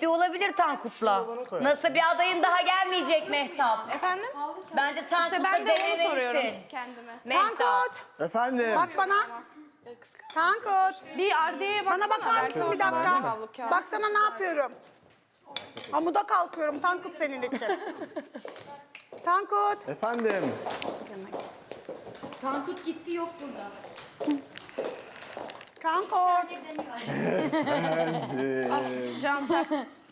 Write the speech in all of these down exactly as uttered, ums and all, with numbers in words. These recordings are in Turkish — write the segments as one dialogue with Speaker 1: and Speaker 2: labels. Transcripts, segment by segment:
Speaker 1: ciddi olabilir Tankut'la. Nasıl bir adayın daha gelmeyecek Mehtap?
Speaker 2: Efendim?
Speaker 1: Bence Tankut'la
Speaker 2: İşte ben de onu soruyorum
Speaker 1: denemelisin.
Speaker 2: kendime.
Speaker 1: Mehtap.
Speaker 3: Tankut.
Speaker 4: Efendim.
Speaker 3: Bak bana. Tankut.
Speaker 2: Bir Ardiye'ye baksana.
Speaker 3: Bana bakar
Speaker 2: belki
Speaker 3: mısın bir
Speaker 2: orada vardır
Speaker 3: dakika?
Speaker 2: havlu kağıt.
Speaker 3: Baksana ne yapıyorum. Hamuda kalkıyorum Tankut senin için. Tankut.
Speaker 4: Efendim.
Speaker 5: Tankut gitti yok burada.
Speaker 3: Tankut.
Speaker 2: Can sen.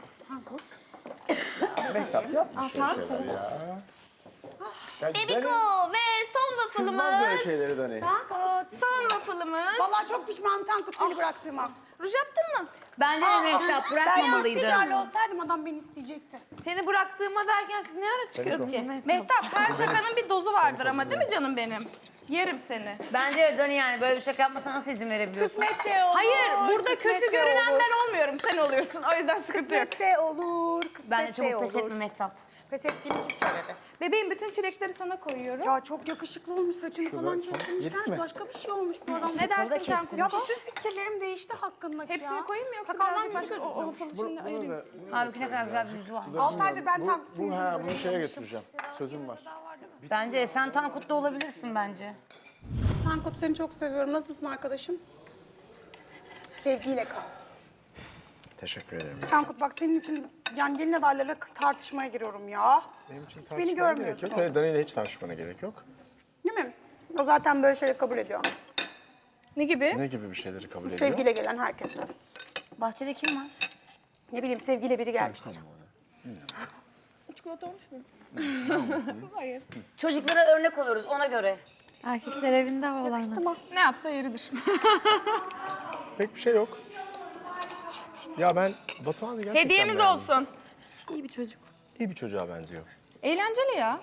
Speaker 4: Mehtap yapma şöyle şeyler ya. Ya
Speaker 5: Bebiko
Speaker 4: Dani
Speaker 5: ve son
Speaker 4: kızmaz böyle
Speaker 5: waffle'ımız.
Speaker 4: şeyleri Dani.
Speaker 3: Tankut.
Speaker 5: Son waffle'ımız.
Speaker 3: Vallahi çok pişmanım Tankut seni bıraktığıma.
Speaker 5: Ruj yaptın mı?
Speaker 1: Bence de Mehtap
Speaker 3: Ben
Speaker 1: bırakmamalıydın.
Speaker 3: istikrarlı olsaydım adam beni isteyecekti.
Speaker 5: Seni bıraktığıma derken siz ne ara çıkıyordunuz?
Speaker 2: Mehtap her şakanın bir dozu vardır ama değil mi canım benim? Yerim seni.
Speaker 1: Bence de Dani yani böyle bir şaka yapmasına nasıl izin verebiliyorsun?
Speaker 3: Kısmetse olur.
Speaker 2: Hayır, burada
Speaker 3: kısmetse
Speaker 2: kötü görünen
Speaker 3: olur.
Speaker 2: ben olmuyorum, sen oluyorsun. O yüzden sıkıntı yok.
Speaker 3: Kısmetse olur. Kısmetse
Speaker 1: Bence çabuk
Speaker 3: olur.
Speaker 1: pes etme Mehtap.
Speaker 3: Pes ettiğini kim söyledi?
Speaker 2: Bebeğim bütün çilekleri sana koyuyorum.
Speaker 3: Ya çok yakışıklı olmuş saçını falan
Speaker 4: son-
Speaker 3: kestirmişler.
Speaker 4: yetti mi?
Speaker 3: Başka bir şey olmuş bu adam.
Speaker 2: Ne dersin sen
Speaker 3: Ya
Speaker 2: kuzum?
Speaker 3: bütün fikirlerim değişti hakkındaki ya.
Speaker 2: Hepsini koyayım mı yoksa
Speaker 3: Sakaldan
Speaker 2: birazcık başka
Speaker 3: başka
Speaker 2: o, o waffle içinde ayırayım?
Speaker 1: Halbuki ne kadar güzel bir yüzü var.
Speaker 3: altı aydır ben
Speaker 4: Bu,
Speaker 3: Tankut'un
Speaker 4: bu,
Speaker 3: yüzünü
Speaker 4: ha, bunu
Speaker 3: görüyorum.
Speaker 4: şeye götüreceğim. Sözüm var.
Speaker 1: Bence de sen Tankut'la olabilirsin bence.
Speaker 3: Tankut seni çok seviyorum. Nasılsın arkadaşım? Sevgiyle kal.
Speaker 4: Teşekkür ederim.
Speaker 3: Tankut bak senin için yani gelin adaylarıyla tartışmaya giriyorum ya.
Speaker 4: Benim için
Speaker 3: Hiç
Speaker 4: tartışmana
Speaker 3: beni
Speaker 4: gerek
Speaker 3: görmüyorsun.
Speaker 4: yok. Hayır, Dani ile hiç tartışmana gerek yok.
Speaker 3: Değil mi? O zaten böyle şeyleri kabul ediyor.
Speaker 2: Ne gibi?
Speaker 4: Ne gibi bir şeyleri kabul ediyor?
Speaker 3: Sevgiyle gelen herkese.
Speaker 1: Bahçede kim var?
Speaker 3: Ne bileyim sevgiyle biri gelmiştir.
Speaker 2: Çikolata olmuş mu? Hayır.
Speaker 1: Çocuklara örnek oluruz ona göre.
Speaker 6: Erkekler evinde havalanmaz.
Speaker 3: Tamam.
Speaker 2: Ne yapsa yeridir.
Speaker 4: Pek bir şey yok. Ya ben Batuhan'ı gerçekten
Speaker 2: Hediyemiz
Speaker 4: beğendim.
Speaker 2: olsun.
Speaker 6: İyi bir çocuk.
Speaker 4: İyi bir çocuğa benziyor.
Speaker 2: Eğlenceli ya.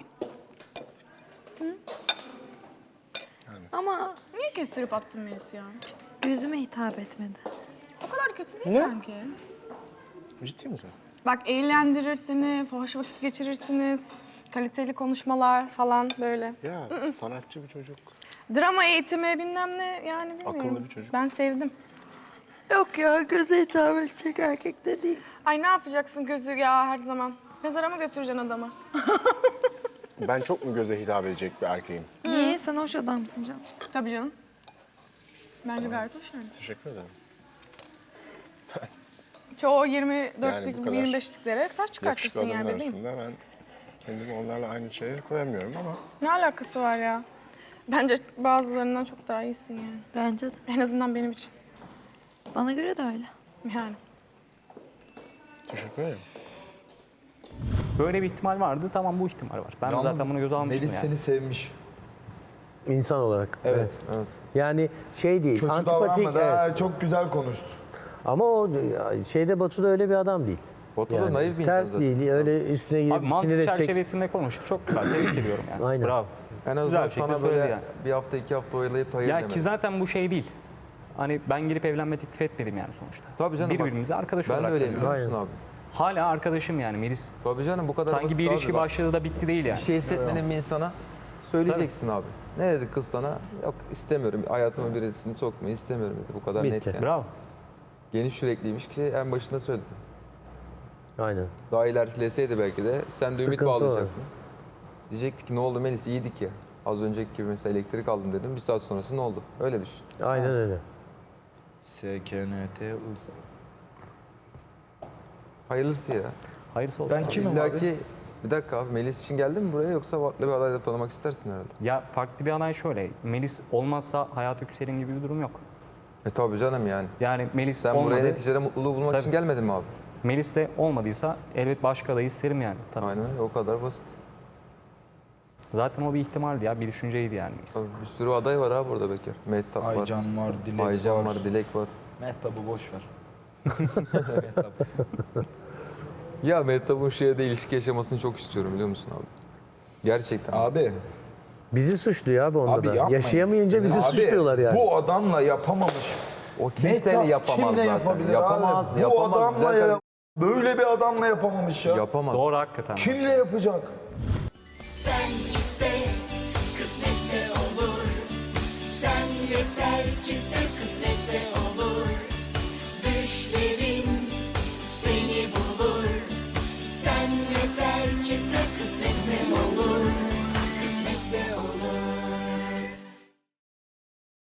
Speaker 6: Ama
Speaker 2: Niye kestirip attın Melis ya?
Speaker 6: yüzüme hitap etmedi.
Speaker 2: O kadar kötü değil
Speaker 4: Ne?
Speaker 2: sanki.
Speaker 4: Ciddi misin?
Speaker 2: Bak eğlendirir seni, hoş vakit geçirirsiniz. Kaliteli konuşmalar falan böyle.
Speaker 4: Ya sanatçı bir çocuk.
Speaker 2: Drama eğitimi bilmem ne yani bilmiyorum.
Speaker 4: Akıllı bir çocuk.
Speaker 2: Ben sevdim.
Speaker 6: Yok ya göze hitap edecek erkek de değil.
Speaker 2: Ay ne yapacaksın gözü ya her zaman? Mezara mı götüreceksin adamı?
Speaker 4: Ben çok mu göze hitap edecek bir erkeğim?
Speaker 6: Niye? Sen hoş adamsın canım.
Speaker 2: Tabii canım. Bence gayet hoş yani.
Speaker 4: Teşekkür ederim.
Speaker 2: Çoğu yirmi
Speaker 4: Yani
Speaker 2: dörtlük,
Speaker 4: bu kadar
Speaker 2: yirmi beşliklere taş
Speaker 4: Yakışıklı
Speaker 2: çıkartırsın
Speaker 4: adamın
Speaker 2: yani bebeğim.
Speaker 4: arasında ben kendimi onlarla aynı şeye koyamıyorum ama
Speaker 2: Ne alakası var ya? Bence bazılarından çok daha iyisin yani.
Speaker 6: Bence de.
Speaker 2: En azından benim için.
Speaker 6: Bana göre de öyle.
Speaker 2: Yani.
Speaker 4: teşekkür ederim.
Speaker 7: Böyle bir ihtimal vardı. Tamam bu ihtimal var. Ben
Speaker 8: Yalnız
Speaker 7: zaten bunu göze almıştım
Speaker 8: Melis
Speaker 7: yani.
Speaker 8: seni sevmiş.
Speaker 9: İnsan olarak.
Speaker 8: Evet. evet.
Speaker 9: Yani şey değil,
Speaker 8: Kötü
Speaker 9: antipatik.
Speaker 8: davranmadı.
Speaker 9: Evet.
Speaker 8: Ha, çok güzel konuştu.
Speaker 9: Ama o şeyde Batu'da öyle bir adam değil.
Speaker 8: Batu da
Speaker 9: Yani
Speaker 8: naif bir insan
Speaker 9: ters
Speaker 8: zaten.
Speaker 9: değil, öyle üstüne gidip
Speaker 7: Abi mantık
Speaker 9: sinir edecek.
Speaker 7: çerçevesinde konuştuk. Çok güzel. Tebrik ediyorum yani.
Speaker 9: Aynen.
Speaker 7: Bravo.
Speaker 8: En azından
Speaker 7: Güzel bir şekilde
Speaker 8: sana
Speaker 7: söyledi
Speaker 8: böyle
Speaker 7: yani.
Speaker 8: bir hafta iki hafta oyalayıp hayır
Speaker 7: Ya
Speaker 8: demedi.
Speaker 7: ki zaten bu şey değil. Hani ben gelip evlenme teklif etmedim yani sonuçta.
Speaker 8: Tabii canım, bak,
Speaker 7: Birbirimize arkadaş
Speaker 8: Ben de
Speaker 7: olarak
Speaker 8: öyleyim
Speaker 7: görüyoruz.
Speaker 8: biliyor musun abi?
Speaker 7: Hala arkadaşım yani Melis.
Speaker 8: Tabii canım bu kadar
Speaker 7: Sanki
Speaker 8: basit
Speaker 7: bir
Speaker 8: abi
Speaker 7: ilişki
Speaker 8: bak.
Speaker 7: başladı da bitti değil yani.
Speaker 8: Bir şey hissetmenin bir insana söyleyeceksin abi. Ne dedi kız sana? Yok istemiyorum. Hayatıma birisini sokmayı istemiyorum dedi. Bu kadar net
Speaker 9: Bitti.
Speaker 8: yani.
Speaker 7: Bravo.
Speaker 8: Geniş yürekliymiş ki en başında söyledi.
Speaker 9: Aynen.
Speaker 8: Daha ilerleseydi belki de sen de ümit
Speaker 9: Sıkıntı var.
Speaker 8: bağlayacaktın. Diyecektik ki ne oldu Melis iyiydik ya. Az önceki gibi mesela elektrik aldım dedim. Bir saat sonrası ne oldu? Öyle düşün.
Speaker 9: Aynen öyle.
Speaker 8: S K N T U. Hayırlısı ya.
Speaker 7: Hayırlısı olsun.
Speaker 8: Ben kimim abi? Bir dakika abi Melis için geldin mi buraya yoksa farklı bir adayla tanımak istersin herhalde.
Speaker 7: Ya farklı bir aday şöyle. Melis olmazsa hayat yükselin gibi bir durum yok.
Speaker 8: E tabii canım yani.
Speaker 7: Yani Melis
Speaker 8: Sen
Speaker 7: olmadı.
Speaker 8: buraya neticede mutluluğu bulmak
Speaker 7: Tabii.
Speaker 8: için gelmedin mi abi?
Speaker 7: Melis de olmadıysa elbet başka adayı isterim yani. Tabii.
Speaker 8: Aynen öyle o kadar basit.
Speaker 7: Zaten o bir ihtimaldi ya. Bir düşünceydi yani Melis.
Speaker 8: Tabii bir sürü aday var abi burada Bekir. Mehtap var.
Speaker 10: Aycan var, Dilek
Speaker 8: Aycan
Speaker 10: var.
Speaker 8: var, Dilek var.
Speaker 10: Mehtap'ı boş ver.
Speaker 8: Ya Mehtap'ın şeyde ilişki yaşamasını çok istiyorum biliyor musun abi? Gerçekten.
Speaker 10: Abi,
Speaker 9: Bizi suçluyor abi onda
Speaker 10: abi
Speaker 9: da.
Speaker 10: yapmayın.
Speaker 9: Yaşayamayınca bizi
Speaker 10: Abi,
Speaker 9: suçluyorlar yani.
Speaker 10: Bu adamla yapamamış.
Speaker 8: O kimseyle
Speaker 10: Mehtap
Speaker 8: yapamaz
Speaker 10: kimle
Speaker 8: zaten.
Speaker 10: yapabilir
Speaker 8: Yapamaz,
Speaker 10: abi?
Speaker 8: yapamaz.
Speaker 10: Bu adamla
Speaker 8: Zaten
Speaker 10: ya, böyle bir adamla yapamamış ya.
Speaker 8: yapamaz.
Speaker 7: Doğru hakikaten.
Speaker 10: Kimle yapacak?
Speaker 5: Sen